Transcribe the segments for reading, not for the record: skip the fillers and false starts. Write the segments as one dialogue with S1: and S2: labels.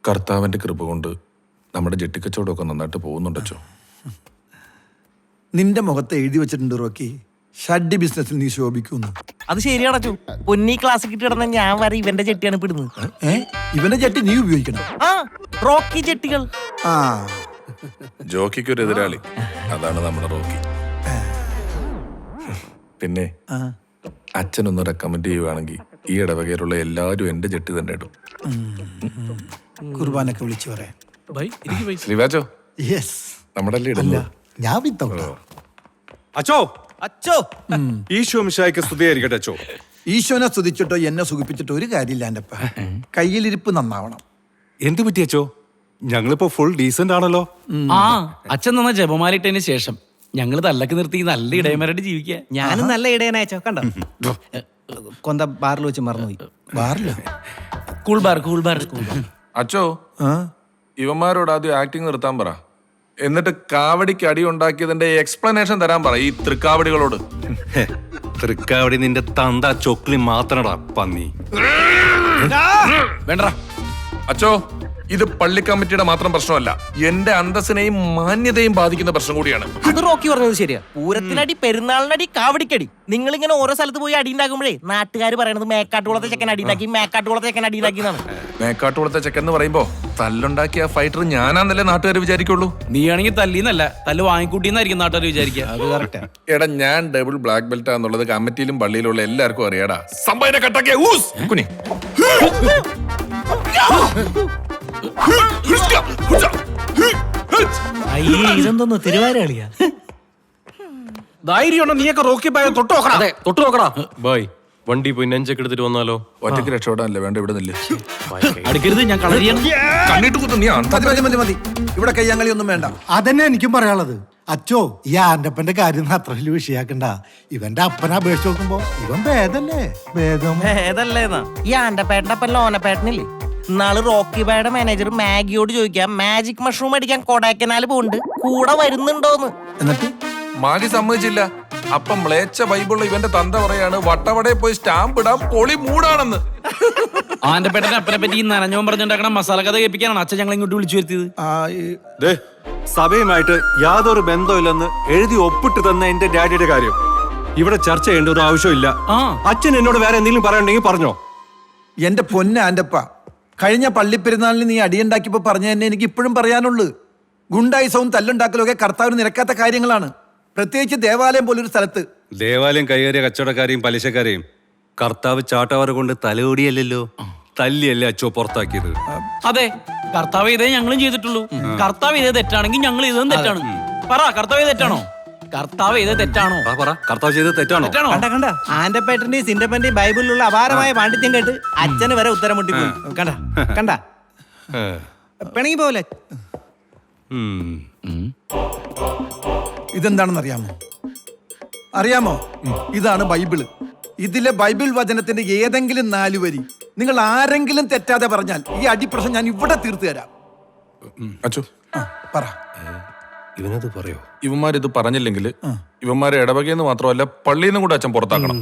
S1: കർത്താവിന്റെ കൃപ കൊണ്ട് നമ്മുടെ ജെട്ടിക്കച്ചവടമൊക്കെ നന്നായിട്ട് പോകുന്നുണ്ടോ?
S2: നിന്റെ മുഖത്ത് എഴുതി വെച്ചിട്ടുണ്ട് റോക്കി, ഷഡ്ഡി ബിസിനസ്സിൽ നീ ശോഭിക്കുന്നു.
S3: അത് ശരിയാണോ? പൊന്നി ക്ലാസ് കിട്ടിയിടന്ന ഞാൻ വരെ ഇവന്റെ ചെട്ടിയാണ് ഇപ്പിടുന്നത്.
S2: ഇവന്റെ ചട്ടി നീ ഉപയോഗിക്കണം.
S3: ആ റോക്കി ചെട്ടികൾ.
S2: ആ
S1: ജോക്കിക്ക് ഒരു എതിരാളി, അതാണ് നമ്മുടെ റോക്കി. പിന്നെ അച്ഛനൊന്ന് റെക്കമെൻഡ് ചെയ്യുവാണെങ്കിൽ ഈ ഇടവകയിലുള്ള എല്ലാവരും എന്റെ ജെട്ടി തന്നെ ഇടും.
S2: കുർബാനൊക്കെ വിളിച്ചു പറയാം.
S1: ശ്രീവാച്ചോ,
S2: യെസ്,
S1: നമ്മുടെ ഇടല്ലോ.
S2: ഞാൻ വിത്തൗട്ടാ.
S4: അച്ചോ
S3: അച്ചോ,
S4: ഈശോ മിശിഹായ്ക്ക് സ്തുതിയായിരിക്കട്ടെ. അച്ചോ,
S2: ഈശോനെ സ്തുതിച്ചിട്ടോ എന്നെ സുഖിപ്പിച്ചിട്ടോ ഒരു കാര്യമില്ല. എൻ്റെ അപ്പ കയ്യിലിരിപ്പ് നന്നാവണം.
S4: എന്ത് പറ്റി അച്ചോ? ഞങ്ങളിപ്പോ ഫുൾ ഡീസന്റ് ആണല്ലോ.
S5: ആ അച്ഛൻ നന്ന ജപമാലിട്ടതിന് ശേഷം ഞങ്ങള് തല്ലക്ക് നിർത്തി നല്ല ഇടയന്മാരായിട്ട് ജീവിക്കുക.
S3: ഞാനും നല്ല ഇടയനയച്ചോ. കണ്ടോ കൊന്ത ബാറിൽ വെച്ച് മറന്നുപോയി.
S2: ബാറില്ല,
S5: കൂൾ ബാർ.
S1: അച്ചോ, ഇവന്മാരോട് ആദ്യം ആക്ടിങ് നിർത്താൻ പറ, എന്നിട്ട് കാവടിക്ക് അടി ഉണ്ടാക്കിയതിന്റെ എക്സ്പ്ലനേഷൻ തരാൻ പറ ഈ തൃക്കാവടികളോട്.
S4: തൃക്കാവടി നിന്റെ തന്ത ചൊക്ലി മാത്രടാ പന്നി.
S5: വേണ്ട
S1: അച്ചോ, ഇത് പള്ളി കമ്മിറ്റിയുടെ മാത്രം പ്രശ്നമല്ല, എന്റെ അന്തസ്സിനെയും മാന്യതയും ബാധിക്കുന്ന പ്രശ്നം കൂടിയാണ്.
S3: അത് റോക്കി പറഞ്ഞത് ശരിയാ. പൂരത്തിനടി, പെരുന്നാളിനടി, കാവടിക്കടി. നിങ്ങൾ ഇങ്ങനെ ഓരോ സ്ഥലത്ത് പോയി അടി ഉണ്ടാക്കുമ്പോഴേ നാട്ടുകാർ പറയണത് മേക്കാട്ടുകുളത്തെ ചെക്കൻ അടിയുണ്ടാക്കി, മേക്കാട്ടുകുളത്തെ ചെക്കൻ അടിയുണ്ടാക്കി എന്നാണ്.
S1: മേക്കാട്ടുകുളത്തെ ചെക്കൻ എന്ന് പറയുമ്പോ തല്ലുണ്ടാക്കിയ ഫൈറ്റർ ഞാനാന്നല്ലേ നാട്ടുകാർ വിചാരിക്കുള്ളൂ.
S5: നീയാണെങ്കിൽ തല്ലിന്നല്ല, തല്ല് വാങ്ങിക്കൂട്ടിന്നായിരിക്കും നാട്ടുകാർ വിചാരിക്കുക.
S3: അത് കറക്റ്റാ.
S1: എടാ, ഞാൻ ഡബിൾ ബ്ലാക്ക് ബെൽറ്റ് ആന്നുള്ളത് കമ്മിറ്റിയിലും പള്ളിയിലുള്ള എല്ലാവർക്കും അറിയാടാ. സംഭവം കട്ടാക്കിയ കുനി
S3: ഇതെന്തോന്നു തിരുവാരളിയാ?
S4: ധൈര്യം നീയൊക്കെ റോക്കി ബായ തൊട്ട് നോക്കടാ.
S5: അതെ, തൊട്ട് നോക്കടാ.
S6: ബായ്, വണ്ടി പോയി നെഞ്ചൊക്കെ എടുത്തിട്ട് വന്നാലോ?
S1: ഒറ്റയ്ക്ക് രക്ഷപ്പെടാനല്ലേ, വേണ്ട ഇവിടെ നില്ലേ.
S5: അടുക്കരുത്, ഞാൻ കളരിയാണ്.
S1: കണ്ണിട്ട് കുത്തു നീ.
S2: മതി. ഇവിടെ കയ്യാങ്കളി ഒന്നും വേണ്ട.
S7: അതന്നെ എനിക്കും പറയാനുള്ളത്. അച്ചോ, ഈ ആന്റപ്പന്റെ കാര്യം അത്ര വലിയ വിഷയാക്കണ്ട. ഇവന്റെ അപ്പനെ അപേക്ഷിച്ച് നോക്കുമ്പോ ഇവൻ ഭേദല്ലേ? ഭേദം
S3: ഏതല്ലേന്നാ ഈ ആന്റപ്പേട്ടന്റെ അപ്പൻ ലോനപ്പേട്ടനില്ലേ? ഇന്നാള് റോക്കി ബായുടെ മാനേജർ മാഗിയോട് ചോദിക്കാം, മാജിക് മഷ്റൂം അടിക്കാൻ കൊടൈക്കനാൽ പോകുന്നുണ്ട്, കൂടെ വരുന്നുണ്ടോന്ന്.
S2: എന്നിട്ട്
S1: മാഗി സമ്മതിച്ചില്ല. അപ്പം മ്ലേച്ഛ ബൈബിളിൽ ഇവന്റെ തന്ത പറയാണ് വട്ടവടയിൽ പോയി സ്റ്റാമ്പ് ഇടാൻ പൊളി മൂടാണെന്ന്.
S5: ആന്റെ പേട്ടന്റെ അപ്പനെ പറ്റി ഈ നനഞ്ഞോൻ പറഞ്ഞുണ്ടാക്കണ മസാല കഥ കേൾപ്പിക്കാനാണ് അച്ഛൻ ഞങ്ങൾ ഇങ്ങോട്ട് വിളിച്ചു വരുത്തിയത്.
S4: സഭയുമായിട്ട് യാതൊരു ബന്ധമില്ലെന്ന് എഴുതി ഒപ്പിട്ട് തന്ന എന്റെ ഡാഡിയുടെ കാര്യം ഇവിടെ ചർച്ച ചെയ്യേണ്ട ഒരു ആവശ്യമില്ല. അച്ഛൻ എന്നോട് വേറെ എന്തെങ്കിലും പറയണ്ടെങ്കിൽ പറഞ്ഞോ.
S2: എന്റെ പൊന്ന ആന്റപ്പ, കഴിഞ്ഞ പള്ളിപ്പെരുന്നാളിന് നീ അടിയുണ്ടാക്കിയപ്പോ പറഞ്ഞ തന്നെ എനിക്ക് ഇപ്പോഴും പറയാനുള്ളൂ. ഗുണ്ടായുസവും തല്ലുണ്ടാക്കലൊക്കെ കർത്താവിന് നിരക്കാത്ത കാര്യങ്ങളാണ്, പ്രത്യേകിച്ച് ദേവാലയം പോലൊരു സ്ഥലത്ത്.
S4: ദേവാലയം കൈയേറിയ കച്ചവടക്കാരെയും പലിശക്കാരെയും കർത്താവ് ചാട്ടവാറ കൊണ്ട് തലയോടിയല്ലോ, തല്ലിയല്ലേ അച്ചോ പുറത്താക്കിയത്.
S5: അതെ, കർത്താവ് ഇതേ ഞങ്ങളും ചെയ്തിട്ടുള്ളൂ. കർത്താവ് ഇതേ തെറ്റാണെങ്കിൽ ഞങ്ങൾ ഇതും തെറ്റാണ്. പറ, കർത്താവ് തെറ്റാണോ? കർത്താവ് ഇതേ തെറ്റാണോ?
S4: പറ, കർത്താവ് ചെയ്തത് തെറ്റാണോ?
S3: കണ്ട ആന്റപ്പേട്ടന്റെയും സിന്റപ്പന്റെയും ബൈബിളിലുള്ള അപാരമായ പാണ്ഡിത്യം കേട്ട് അച്ഛന് വരെ ഉത്തരം മുട്ടിപ്പോയി. കണ്ട പിണങ്ങി പോലെ.
S2: ഇതെന്താണെന്ന് അറിയാമോ? ഇതാണ് ബൈബിള്. ഇതിലെ ബൈബിൾ വചനത്തിന്റെ ഏതെങ്കിലും 4 വരി നിങ്ങൾ ആരെങ്കിലും തെറ്റാതെ പറഞ്ഞാൽ ഈ അടിപ്രശ്നം ഞാൻ ഇവിടെ തീർത്തു തരാം.
S1: അച്ചോ,
S2: പറ.
S4: ഇവനത് പറയോ?
S1: ഇവന്മാരിത് പറഞ്ഞില്ലെങ്കിൽ ഇവന്മാരെ ഇടവകയെന്ന് മാത്രമല്ല പള്ളിയിൽ നിന്നും കൂടെ അച്ഛൻ പുറത്താക്കണം.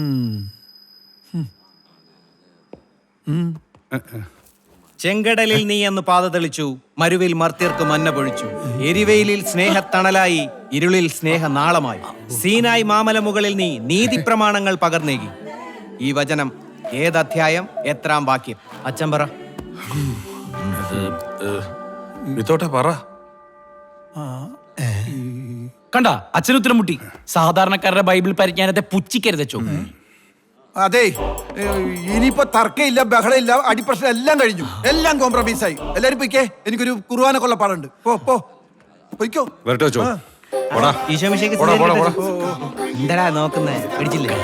S3: ചെങ്കടലിൽ നീ എന്ന് പാത തെളിച്ചു, മരുവിൽ മർത്യർക്ക് മന്ന പൊഴിച്ചു, എരിവെയിലിൽ സ്നേഹത്തണലായി, ഇരുളിൽ സ്നേഹനാളമായി, സീനായി മാമലമുകളിൽ നീ നീതി പ്രമാണങ്ങൾ പകർന്നേകി. ഈ വചനം ഏതധ്യായം, എത്രാം വാക്യം? അച്ഛൻ പറ.
S1: വിത്തോട്ടെ പറ.
S5: കണ്ട, അച്ഛൻ ഉത്തരം മുട്ടി. സാധാരണക്കാരുടെ ബൈബിൾ പരിജ്ഞാനത്തെ പുച്ഛിക്കരുതച്ചോ.
S2: അതെ, ഇനിയിപ്പോ തർക്കമില്ല, ബഹളമില്ല, അടിപ്രശ്നം എല്ലാം കഴിഞ്ഞു, എല്ലാം കോംപ്രമൈസായി. എല്ലാരും പൊയ്ക്കേ, എനിക്കൊരു കുർബാന കൊള്ള പാടുണ്ട്. പൊയ്ക്കോ.
S3: എന്താ നോക്കുന്നേ? പിടിച്ചില്ലേ?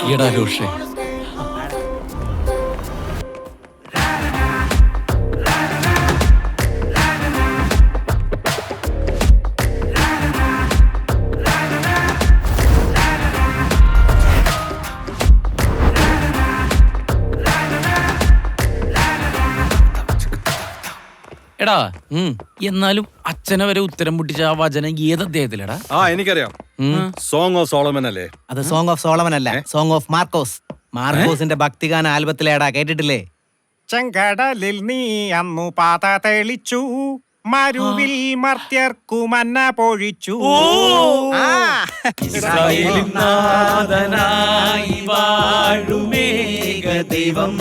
S5: എടാ, എന്നാലും അച്ഛനെ വരെ ഉത്തരം മുട്ടിച്ച ആ വചനം ഏത് അദ്ദേഹത്തിലടാ?
S4: എനിക്കറിയാം. സോങ് ഓഫ് സോളമൻ അല്ലേ?
S3: അത് സോങ് ഓഫ് സോളമൻ അല്ല, സോങ് ഓഫ് മാർക്കോസ്. മാർക്കോസിന്റെ ഭക്തിഗാന ആൽബത്തിലേടാ, കേട്ടിട്ടില്ലേ? ചെങ്കടലിൽ നീ അന്നു പാത തെളിച്ചു, മരുവിൽ മർത്യർക്കു മന്ന പൊഴിച്ചു. ആ.
S5: ഇസ്രായേലിൻ നാഥനായി വാഴുമേക ദൈവം,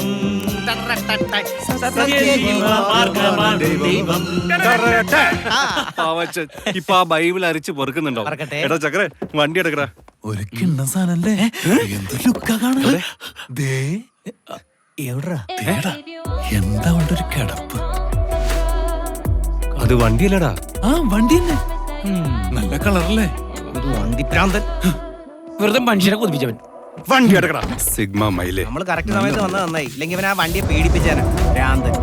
S5: സത്യമാർഗ്ഗമാണ് ദൈവം.
S4: പാവച്ചൻ ഇപ്പൊ ആ ബൈബിൾ അരിച്ച് പൊറുക്കുന്നുണ്ടോ?
S3: പറക്കട്ടെ.
S4: എടാ ചക്കരെ വണ്ടി എടുക്കടാ.
S2: ഒരു കിണ്ണ സാധനല്ലേ, എന്ത് ലുക്കാ കാണാൻ. എന്താ കൊണ്ടൊരു കിടപ്പ്.
S4: അത് വണ്ടിയല്ലടാ.
S2: ആ വണ്ടി തന്നെ, നല്ല കളറല്ലേ.
S3: ഒരു വണ്ടിപ്രാന്തൻ.
S5: വെറുതെ മനുഷ്യനെ കൊതിപ്പിച്ചവൻ.
S4: വണ്ടി എടുക്കടാ. സിഗ്മ മൈലേ.
S3: നമ്മൾ കറക്റ്റ് സമയത്ത് വന്നത് നന്നായി, ഇല്ലെങ്കിൽ ഇവൻ ആ വണ്ടിയെ പേടിപ്പിച്ചാനാ ഭ്രാന്തൻ.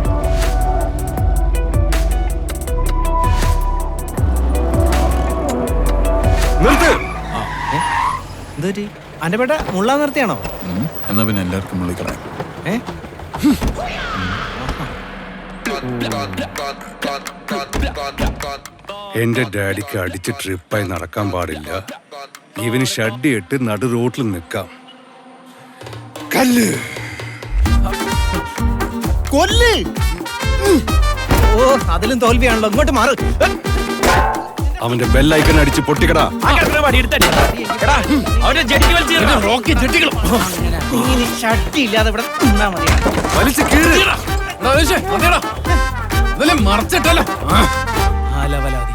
S4: നിർത്ത്.
S3: എന്തൊരു അന്റെ പേട്ട മുള്ള നിർത്തിയാണോ?
S2: എന്നാ പിന്നെ എല്ലാവർക്കും വിളിക്കണം.
S4: എന്റെ ഡാഡിക്ക് അടിച്ച് ട്രിപ്പായി നടക്കാൻ പാടില്ല. ഇവന് ഷഡ്ഡി ഇട്ട് നടു റോട്ടിൽ നിൽക്കാം. കല്ല്
S3: കൊല്ല്. ഓ അതിലും തോൽവിയാണല്ലോ, ഇങ്ങോട്ട് മാറ്.
S4: അവന്റെ ബെല്ലൈക്കൺ അടിച്ച് പൊട്ടിക്കടാ.
S3: ഷട്ടി ഇല്ലാതെ ഇവിടെ നിന്നാ മതി.
S4: വലിച്ച് കീറി.
S2: മറച്ചിട്ടല്ലോ.
S3: ആലവലാതി.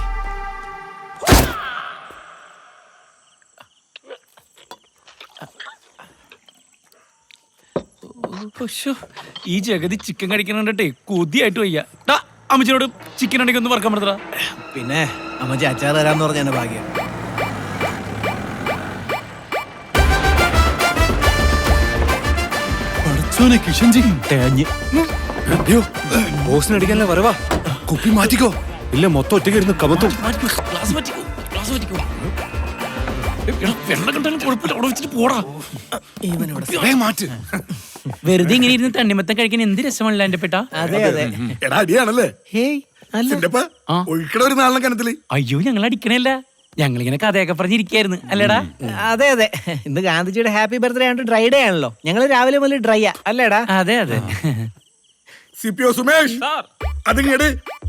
S5: ഈ ജഗതി ചിക്കൻ കഴിക്കണേ കൊതിയായിട്ട് വയ്യ. അമ്മച്ചിനോട് ചിക്കൻ ഉണ്ടെങ്കിൽ ഒന്ന് വറക്കാൻ പറ്റടാ.
S3: പിന്നെ അമ്മച്ചി അച്ചാർ തരാന്ന് പറഞ്ഞ എന്റെ ഭാഗ്യം.
S4: ബോസിനടിക്കാനല്ലേ വരവാ. കുപ്പി മാറ്റിക്കോ, ഇല്ല മൊത്തം ഒറ്റയ്ക്ക് ഇരുന്ന് കമത്തും.
S5: Glass പറ്റിക്കോ, glass പറ്റിക്കോ. വെള്ളം കണ്ടാലും കുഴപ്പമില്ല, അവിടെ വെച്ചിട്ട് പോടാ.
S4: മാറ്റ്.
S5: വെറുതെ ഇങ്ങനെ ഇരുന്ന് തണ്ണിമത്തം കഴിക്കാൻ എന്ത് രസമല്ല എന്റെ പെട്ട.
S3: അതെ അതെ.
S2: എടാ അടിയാണല്ലേ.
S3: ഹേയ് അല്ല.
S2: ഒഴിക്കട ഒരു നാളിനെ കനത്തില്.
S5: അയ്യോ ഞങ്ങൾ അടിക്കണല്ല, ഞങ്ങളിങ്ങനെ കഥയൊക്കെ പറഞ്ഞിരിക്കായിരുന്നു അല്ലേടാ.
S3: അതെ അതെ, ഇന്ന് ഗാന്ധിജിയുടെ ഹാപ്പി ബർത്ത്ഡേ ആയിട്ട് ഡ്രൈ ഡേ ആണല്ലോ. ഞങ്ങൾ രാവിലെ മുതൽ ഡ്രൈയാ അല്ലേടാ.
S5: അതെ അതെ.
S2: സിപിഒ സുമേഷ് അതിങ്ങട്.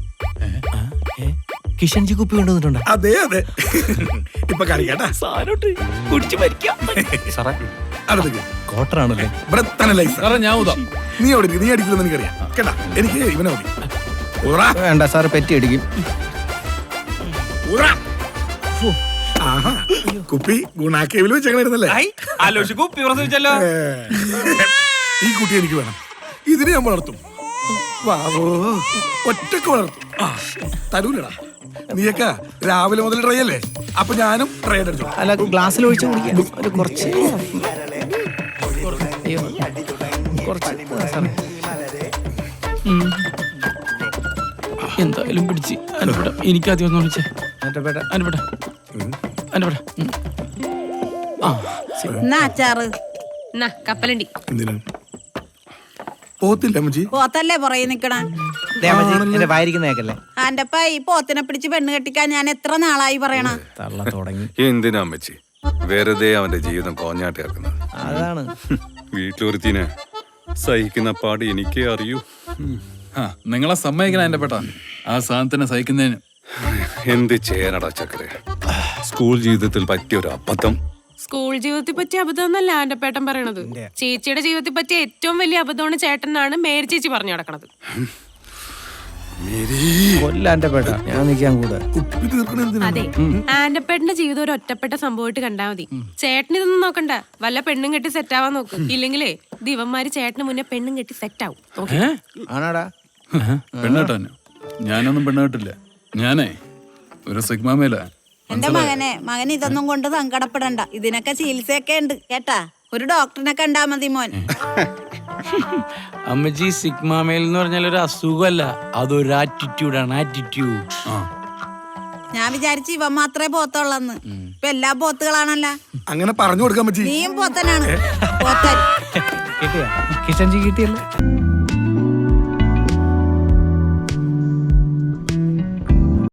S3: കിഷൻജി കുപ്പി കൊണ്ടുവന്നിട്ടുണ്ടോ?
S2: അതെ അതെ, ഇപ്പൊ കളിക്കട്ടാ.
S5: സാരോട്ട് കുടിച്ചു മരിക്കാം.
S3: കോട്ടറാണല്ലേ.
S2: ഞാൻ ഊതാം, നീ ഓടി, നീ അടിക്കില്ലെന്ന് എനിക്കറിയാം കേട്ടാ. എനിക്ക് ഇവനെ മതി.
S3: വേണ്ട സാറ് പെറ്റി അടിക്കും.
S2: കുപ്പി ഗുണാക്കേവിൽ വെച്ചേക്കണായിരുന്നല്ലേ.
S5: ആലോചിച്ച് കുപ്പി പ്രസവിച്ചല്ലോ.
S2: ഈ കുട്ടി എനിക്ക് വേണം, ഇതിനെ ഞാൻ വളർത്തും. വാവോ, ഒറ്റക്ക് വളർത്തും. തരൂലടാ. നീയൊക്കെ രാവിലെ മുതൽ ട്രൈ അല്ലേ, അപ്പൊ ഞാനും ട്രൈ അടിച്ചു.
S3: അല്ല ഗ്ലാസ്സിൽ ഒഴിച്ച് കുടിക്കാം ഒരു കുറച്ച്.
S5: എന്തായാലും പിടിച്ച് അനുപട. എനിക്ക് ആദ്യം ഒന്ന് വിളിച്ചേ അനുപട. അനുപട
S8: അച്ചാറ് കപ്പലണ്ടി
S2: എന്തിനാ പോത്തില്ല അമ്മച്ചി?
S8: പോത്തല്ലേ പുറകെ നിക്കണ.
S3: എന്റെ വായിരിക്കുന്നേക്കല്ലേ.
S8: ആന്റപ്പ ഈ പോത്തിനെ പിടിച്ച് പെണ്ണ് കെട്ടിക്കാൻ ഞാൻ എത്ര നാളായി പറയണ.
S3: തള്ള തുടങ്ങി.
S4: എന്തിനാ അമ്മച്ചി വെറുതെ അവന്റെ ജീവിതം കോഞ്ഞാട്ടി ഇറക്കുന്നത്?
S3: അതാണ്
S4: വീട്ടിലൊരുത്തിനെ സഹിക്കുന്ന പാട് എനിക്കേ അറിയൂ.
S9: നിങ്ങളെ സമ്മതിക്കണം എന്റെ പെട്ട ആ സാധനത്തിനെ സഹിക്കുന്നതിന്.
S4: എന്ത് ചെയ്യാനടാ ചക്കരെ, സ്കൂൾ ജീവിതത്തിൽ പറ്റിയ ഒരു അബദ്ധം.
S10: സ്കൂൾ ജീവിതത്തിൽ പറ്റിയ അബദ്ധം എന്നല്ല ആന്റപ്പേട്ടൻ പറയണത്. ചേച്ചിയുടെ ജീവിതത്തിൽ പറ്റിയ ഏറ്റവും വലിയ അബദ്ധമാണ് ചേട്ടനാണ് മേരി ചേച്ചി പറഞ്ഞു നടക്കണത്.
S3: കൊല്ലാന്റെ പേട്ട ഞാൻ നിൽക്കാൻ കൂടെ.
S10: അതെ, ആന്റപ്പേട്ടന്റെ ജീവിതം ഒരു ഒറ്റപ്പെട്ട സംഭവമായിട്ട് കണ്ടാ മതി. ചേട്ടൻ ഇതൊന്നും നോക്കണ്ട, വല്ല പെണ്ണും കെട്ടി സെറ്റ് ആവാൻ നോക്കും. ഇല്ലെങ്കിലേ ദിവന്മാര് ചേട്ടന് മുന്നേ പെണ്ണും കെട്ടി സെറ്റ് ആവും.
S3: ആണാടാ
S9: പെണ്ണേട്ടോ? ഞാനൊന്നും പെണ്ണേട്ടില്ല. ഞാനേ ഒരു സിഗ്മാമേല.
S8: എന്റെ മകൻ ഇതൊന്നും കൊണ്ട് സങ്കടപ്പെടണ്ട. ഇതിനൊക്കെ ചികിത്സയൊക്കെ ഉണ്ട് കേട്ടാ. ഒരു ഡോക്ടറിനെ കണ്ടാ മതി മോൻ.
S5: അമ്മജി സിഗ്മാമേൽ എന്ന് പറഞ്ഞാൽ ഒരു അസുഖമല്ല, അതൊരു ആറ്റിറ്റ്യൂഡാണ്. ആറ്റിറ്റ്യൂഡ്.
S8: ഞാൻ വിചാരിച്ചു ഇവൻ മാത്രമേ പോത്തുള്ളന്ന്. ഇപ്പൊ എല്ലാ പോത്തുകളാണല്ല.
S2: അങ്ങനെ പറഞ്ഞു കൊടുക്കാൻ പറ്റി.
S8: നീയും പോത്തനാണ്. പോത്തൻ
S3: കിട്ടിയാ? കിഷൻജി കിട്ടിയല്ലോ.